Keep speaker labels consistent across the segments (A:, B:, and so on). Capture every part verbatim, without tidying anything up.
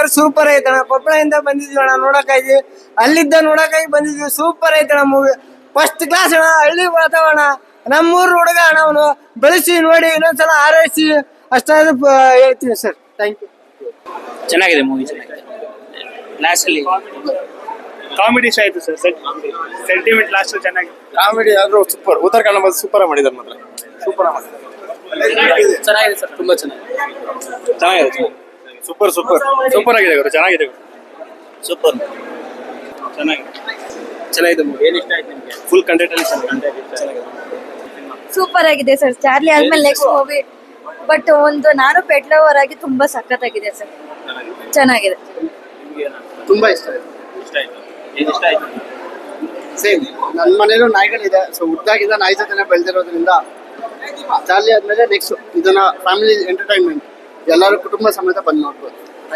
A: Super ಐತಣ. ಕೊಪ್ಪಳದಿಂದ ಬಂದಿದ್ವಿ ಅಣ್ಣ ನೋಡಕ್ಕಾಗಿ, ಅಲ್ಲಿದ್ದ ನೋಡಕ್ಕಾಗಿ ಬಂದಿದ್ವಿ. ಸೂಪರ್ ಐತಣ ಮೂವಿ, ಫಸ್ಟ್ ಕ್ಲಾಸ್ ಅಣ್ಣ. ಹಳ್ಳಿ ವಾತಾವರಣ, ನಮ್ಮೂರು ಹುಡುಗ ಅಣ್ಣ ಅವನು. ಬೆಳೆಸಿ ನೋಡಿ, ಇನ್ನೊಂದ್ಸಲ ಆರೈಸಿ ಅಷ್ಟಾದ್ರೂ ಹೇಳ್ತೀವಿ ಸರ್. Thank you.
B: ಚೆನ್ನಾಗಿದೆ ಮೂವಿ, ಚೆನ್ನಾಗಿದೆ. ಲಾಸ್ಟ್ ಅಲ್ಲಿ
C: ಕಾಮಿಡಿ ಇಷ್ಟ ಆಯ್ತು ಸರ್. ಸೆಂಟಿಮೆಂಟ್ ಲಾಸ್ಟ್ ಚೆನ್ನಾಗಿ.
D: ಕಾಮಿಡಿ ಆದ್ರೂ ಸೂಪರ್. ಉತ್ತರ ಕನ್ನಡ ಸೂಪರ್ ಮಾಡಿದಾರೆ ಮಾತ್ರ, ಸೂಪರ್ ಮಾಡಿದ್ದಾರೆ.
B: ಚೆನ್ನಾಗಿದೆ ಸರ್, ತುಂಬಾ ಚೆನ್ನಾಗಿದೆ.
D: ಚೆನ್ನಾಗಿದೆ, ಸೂಪರ್ ಸೂಪರ್ ಸೂಪರ್ ಆಗಿದೆ ಗುರು, ಚೆನ್ನಾಗಿದೆ
B: ಸೂಪರ್
D: ಚೆನ್ನಾಗಿದೆ
B: ಚೆನ್ನಾಗಿದೆ ಮೂವಿ. ಏನ್ ಇಷ್ಟ ಆಯ್ತು ನಿಮ್ಗೆ?
D: ಫುಲ್ ಕಂಟೆಂಟ್ ಅಲ್ಲಿ ಚೆನ್ನಾಗಿದೆ.
E: ಸೂಪರ್ ಆಗಿದೆ ಸರ್. ಚಾರ್ಲಿ ಆದ್ಮೇಲೆ ನೆಕ್ಸ್ಟ್ ಮೂವಿ. ಬಟ್ ಒಂದು ನಾನು ಪೆಟ್ಲವರ್ ಆಗಿ ತುಂಬಾ ಸಖತ್ತಾಗಿದೆ ಸರ್, ಚೆನ್ನಾಗಿದೆ.
D: ತುಂಬಾ ಇಷ್ಟ ಆಯ್ತು.
B: ಇಷ್ಟ ಆಯ್ತು. ಏನ್ ಇಷ್ಟ ಆಯ್ತು?
D: ಸೇಮ್ ನನ್ನ ಮನೇಲೂ ನಾಯಿಗಳಿದೆ. ಸೊ ಹುಟ್ಟಾಗಿಂದ ನಾಯಿ ಜೊತೆನೆ ಬೆಳೆದಿರೋದ್ರಿಂದ ಚಾರ್ಲಿ ಆದ್ಮೇಲೆ ನೆಕ್ಸ್ಟ್ ಇದನ್ನ ಫ್ಯಾಮಿಲಿ ಎಂಟರ್ಟೈನ್ಮೆಂಟ್, ಎಲ್ಲರೂ ಕುಟುಂಬ ಸಮೇತ ಬಂದು ನೋಡ್ಬೋದು.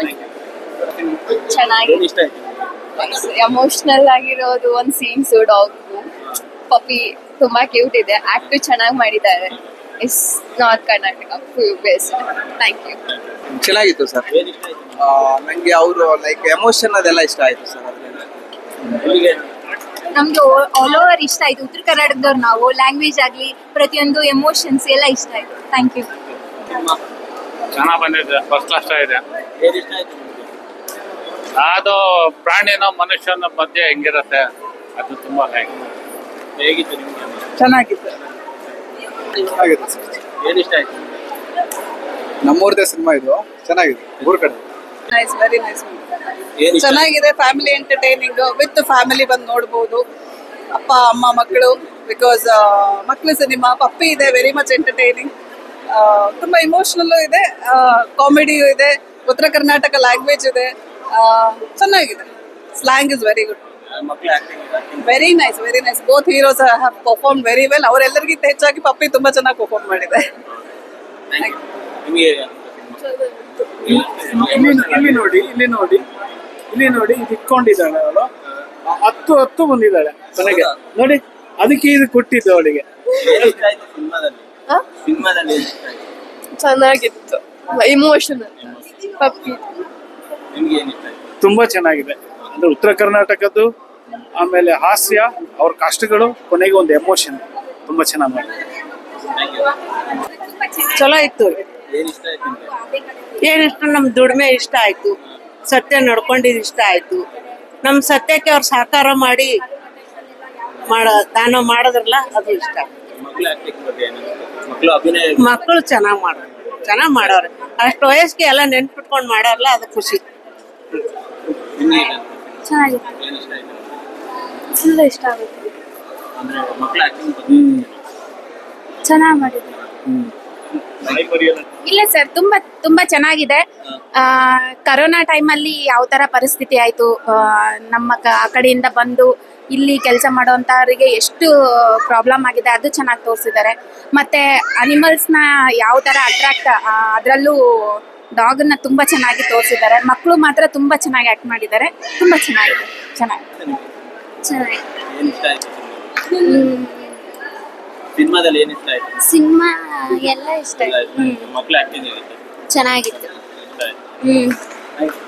E: ಚೆನ್ನಾಗಿದೆ,
B: ಏನ್ ಇಷ್ಟ ಆಯ್ತು?
E: ಎಮೋಷನಲ್ ಆಗಿರೋದು ಒಂದು ಸೀನ್ಸ್, ಡಾಗ್ ಪಪ್ಪಿ ತುಂಬಾ ಕ್ಯೂಟ್ ಇದೆ. ಆಕ್ಟ್ ಚೆನ್ನಾಗಿ ಮಾಡಿದ್ದಾರೆ. Is north Karnataka best. Thank you.
F: ಚೆನ್ನಾಗಿತ್ತು ಸರ್.
B: ಏನ್ ಇಷ್ಟ ಆಯ್ತು?
F: ನಂಗೆ ಅವರು ಲೈಕ್ ಎಮೋಷನ್ ಅದೆಲ್ಲ ಇಷ್ಟ ಆಯ್ತು ಸರ್.
B: ನಿಮಗೆ
E: ನಮ್ಗೆ ಆಲ್ ಓವರ್ ಇಷ್ಟ ಆಯ್ತು. ಉತ್ತರ ಕರ್ನಾಟಕದವ್ರು ನಾವು, ಲ್ಯಾಂಗ್ವೇಜ್ ಆಗ್ಲಿ ಪ್ರತಿಯೊಂದು ಎಮೋಷನ್ಸ್ ಎಲ್ಲ ಇಷ್ಟ ಆಯ್ತು. Thank you.
C: ಚೆನ್ನಾಗಿ ಬಂದಿದೆ, ಫಸ್ಟ್ ಕ್ಲಾಸ್ ಇದೆ.
B: ಏನ್ ಇಷ್ಟ ಆಯ್ತು ನಿಮ್ಗೆ?
C: ಅದು ಪ್ರಾಣಿನ ಮನುಷ್ಯನ ಮಧ್ಯೆ ಹೆಂಗಿರತ್ತೆ, ಅದು ತುಂಬಾ
B: ಹೇಗಿತ್ತು ನಿಮ್ಗೆ?
E: ಚೆನ್ನಾಗಿತ್ತು.
D: ಚೆನ್ನಾಗಿದೆ ಸರ್.
B: ಏನ್ ಇಷ್ಟ ಆಯ್ತು?
F: ನಮ್ಮೂರ್ದೇ ಸಿನಿಮಾ ಇದು, ಚೆನ್ನಾಗಿದೆ. ಊರ್ ಕಡೆ
E: ನೈಸ್, ವೆರಿ ನೈಸ್.
B: ಏನ್ ಇಷ್ಟ ಆಯ್ತು?
E: ಚೆನ್ನಾಗಿದೆ. ಫ್ಯಾಮಿಲಿ ಎಂಟರ್ಟೈನಿಂಗ್ ವಿತ್ ಫ್ಯಾಮಿಲಿ ಬಂದು ನೋಡ್ಬೋದು. ಅಪ್ಪ ಅಮ್ಮ ಮಕ್ಕಳು, ಬಿಕಾಸ್ ಮಕ್ಕಳು ಸಿನಿಮಾ. ಪಪ್ಪಿ ಇದೆ, ವೆರಿ ಮಚ್ ಎಂಟರ್ಟೈನಿಂಗ್. ತುಂಬ ಇಮೋಷ್ನಲ್ಲು ಇದೆ, ಕಾಮಿಡಿಯೂ ಇದೆ, ಉತ್ತರ ಕರ್ನಾಟಕ ಲ್ಯಾಂಗ್ವೇಜ್ ಇದೆ. ಚೆನ್ನಾಗಿದೆ. Slang is very good.
B: ಮಕ್ಕಳು acting
E: very nice, very nice. Both heroes have perform very well. ಅವರೆಲ್ಲರಿಗಿಂತ ಹೆಚ್ಚಾಗಿ ಪಪ್ಪಿ ತುಂಬ ಚೆನ್ನಾಗಿ ಪರ್ಫಾರ್ಮ್ ಮಾಡಿದೆ.
B: ನಿಮಗೆ
C: ಇಲ್ಲಿ ನೋಡಿ, ಇಲ್ಲಿ ನೋಡಿ, ಇಲ್ಲಿ ನೋಡಿ, ಇದು ಇಟ್ಕೊಂಡಿದ್ದಾಳೆ ಅವಳು. ಹತ್ತು ಹತ್ತು ಬಂದಿದ್ದಾಳೆ ಕೊನೆಗೆ ನೋಡಿ. ಅದಕ್ಕೆ ಇದು ಕೊಟ್ಟಿದ್ದು ಅವಳಿಗೆ.
B: ಏನ್ ಇಷ್ಟ ಆಯ್ತು ಸಿನಿಮಾದಲ್ಲಿ? ಸಿನಿಮಾದಲ್ಲಿ ಏನ್ ಇಷ್ಟ ಆಯ್ತು?
E: ಚೆನ್ನಾಗಿತ್ತು, ಇಮೋಷನಲ್. ಪಪ್ಪಿ
B: ನಿಮ್ಗೆ ಏನ್ ಇಷ್ಟ ಆಯ್ತು?
C: ತುಂಬಾ ಚೆನ್ನಾಗಿದೆ. ಅಂದ್ರೆ ಉತ್ತರ ಕರ್ನಾಟಕದ್ದು, ಆಮೇಲೆ ಹಾಸ್ಯ, ಅವ್ರ ಕಷ್ಟಗಳು, ಕೊನೆಗೆ ಒಂದು ಎಮೋಷನ್ ತುಂಬಾ ಚೆನ್ನಾಗಿ ಮಾಡಿದೆ.
E: ಚಲೋ ಇತ್ತು.
B: ಏನ್ ಇಷ್ಟ ಆಯ್ತು ನಿಮ್ಗೆ?
G: ಏನಿಷ್ಟು ನಮ್ ದುಡಿಮೆ ಇಷ್ಟ ಆಯ್ತು, ಸತ್ಯ ನಡ್ಕೊಂಡಿದ್ದು ಇಷ್ಟ ಆಯ್ತು. ನಮ್ ಸತ್ಯಕ್ಕೆ ಅವ್ರು ಸಹಕಾರ ಮಾಡಿ ಮಾಡ ದಾನ ಮಾಡೋದ್ರಲ್ಲ, ಅದು ಇಷ್ಟ.
B: ಮಕ್ಕಳು ಆಕ್ಟಿಂಗ್ ಬಗ್ಗೆ ಏನು? ಮಕ್ಕಳು ಅಭಿನಯ
G: ಮಕ್ಕಳು ಚೆನ್ನಾಗ್ ಮಾಡೋರು, ಚೆನ್ನಾಗ್ ಮಾಡೋರು. ಅಷ್ಟು ವಯಸ್ಸಿಗೆ ಎಲ್ಲ ನೆನ್ಪಿಟ್ಕೊಂಡ್ ಮಾಡೋರ್ಲ, ಅದು ಖುಷಿ.
B: ನಿಮ್ಗೆ ಏನು?
E: ಚೆನ್ನಾಗಿತ್ತು,
B: ಏನ್ ಇಷ್ಟ ಆಯ್ತು?
E: ಫುಲ್ ಇಷ್ಟ ಆಗುತ್ತೆ.
B: ಅಂದ್ರೆ ಮಕ್ಕಳ ಆಕ್ಟಿಂಗ್ ಬಗ್ಗೆ
E: ಚೆನ್ನಾಗಿ ಮಾಡಿದ್ರು.
H: ಇಲ್ಲ ಸರ್, ತುಂಬಾ ತುಂಬಾ ಚೆನ್ನಾಗಿದೆ. ಕರೋನಾ ಟೈಮಲ್ಲಿ ಯಾವ ತರ ಪರಿಸ್ಥಿತಿ ಆಯ್ತು, ನಮ್ಮ ಕ- ಆ ಕಡೆಯಿಂದ ಬಂದು ಇಲ್ಲಿ ಕೆಲಸ ಮಾಡೋಂಥವ್ರಿಗೆ ಎಷ್ಟು ಪ್ರಾಬ್ಲಮ್ ಆಗಿದೆ, ಅದು ಚೆನ್ನಾಗಿ ತೋರಿಸಿದ್ದಾರೆ. ಮತ್ತೆ ಅನಿಮಲ್ಸ್ನ ಯಾವ ತರ ಅಟ್ರಾಕ್ಟ್, ಅದರಲ್ಲೂ ಡಾಗನ್ನ ತುಂಬಾ ಚೆನ್ನಾಗಿ ತೋರಿಸಿದ್ದಾರೆ. ಮಕ್ಕಳು ಮಾತ್ರ ತುಂಬಾ ಚೆನ್ನಾಗಿ ಆಕ್ಟ್ ಮಾಡಿದ್ದಾರೆ. ತುಂಬಾ ಚೆನ್ನಾಗಿದೆ, ಚೆನ್ನಾಗಿ ಚೆನ್ನಾಗಿ
B: ಏನ್ ಇಷ್ಟ ಆಯ್ತು? ಸಿನಿಮಾದಲ್ಲಿ ಏನ್ ಇಷ್ಟ ಆಯ್ತು?
H: ಸಿನಿಮಾ ಎಲ್ಲ ಇಷ್ಟ
B: ಮಕ್ಕಳ ಆಕ್ಟಿಂಗ್ ಹೇಗಿತ್ತು?
H: ಚೆನ್ನಾಗಿತ್ತು.
B: ಇಷ್ಟ ಆಯ್ತು.
H: ಹ್ಮ್